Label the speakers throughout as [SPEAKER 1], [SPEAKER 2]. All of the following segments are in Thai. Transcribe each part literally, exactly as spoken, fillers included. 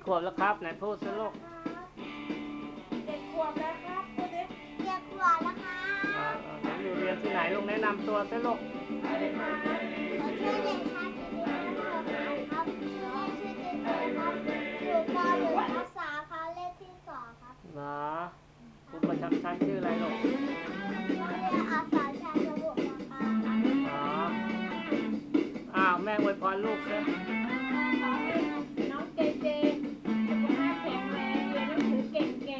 [SPEAKER 1] ขวบแล้วครับไหนพูดสิลูก
[SPEAKER 2] เจ็ดขวบแล้วครับพูดดิ
[SPEAKER 3] เจ็ดขวบแล้วค่ะ
[SPEAKER 1] หนูอยู่เรียนที่ไหนลูกแนะนำตัวสิลูก
[SPEAKER 3] ขอชื่อเด็กชายกิติพัฒน์ครับชื่อชื่อเจเจครับอยู่ป .หนึ่ง ทับ สามครับเลขที่สองครับ
[SPEAKER 1] เหรอครูประจำชั้นชื่ออะไรลูก
[SPEAKER 3] โรงเรียนอาสาชัยระบบนะคะ
[SPEAKER 1] อ๋ออ้าวแม่อวยพรลูกสิ
[SPEAKER 2] ขอให้น้องเจเจสุขภาพแข็งแรงเรียนหนังสือเก่งๆ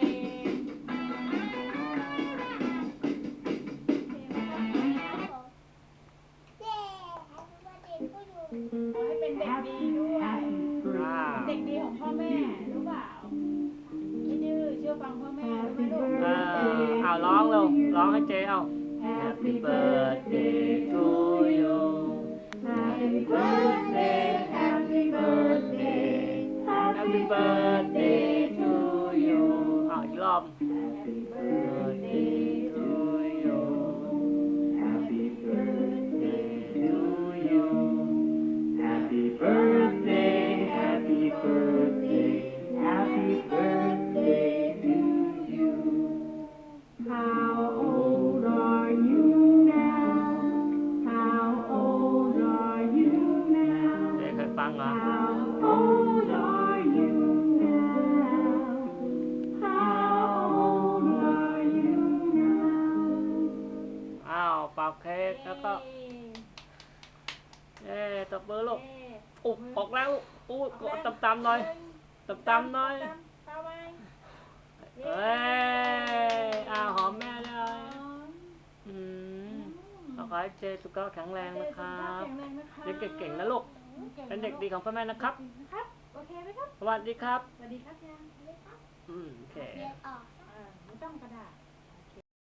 [SPEAKER 2] ขอให้เป็นเด็กดีด้วยเด็กดีของพ่อแม่รู้เปล่าไม่ดื้อเชื่อฟังพ่อแม่รู้ไหมลูก
[SPEAKER 1] เออเอาร้องเร็วร้องให้เจ๊เอา Happy birthday to you Happy birthday Happy birthday Happy birthday to you เอาอีกรอบ Happy birthday to you Happy birthday to you Happy birthday Happy birthday Happy birthday to you How old are you now How old are you now เด็กเคยฟังเหรอ How old are you now How old are you now อ้าวเป่าเค้กแล้วก็เอ๊ะตบมือลูกอุ๊บออกแล้วอุ๊บตำๆหน่อยตำๆหน่อยเอ้ยอ้าวหอมแม่เลยอืมขอให้เจสุขภาพแข็งแรงนะครับเด็กเก่งๆนะลูกเป็นเด็กดีของพ่อแม่นะครับ
[SPEAKER 2] ครับโอเคไหมครับ
[SPEAKER 1] สวัสดีครับ
[SPEAKER 2] สวัสดีครับยัง
[SPEAKER 1] อืมโอเค
[SPEAKER 3] เรียนออก
[SPEAKER 2] ไม่ต้องกระดาษ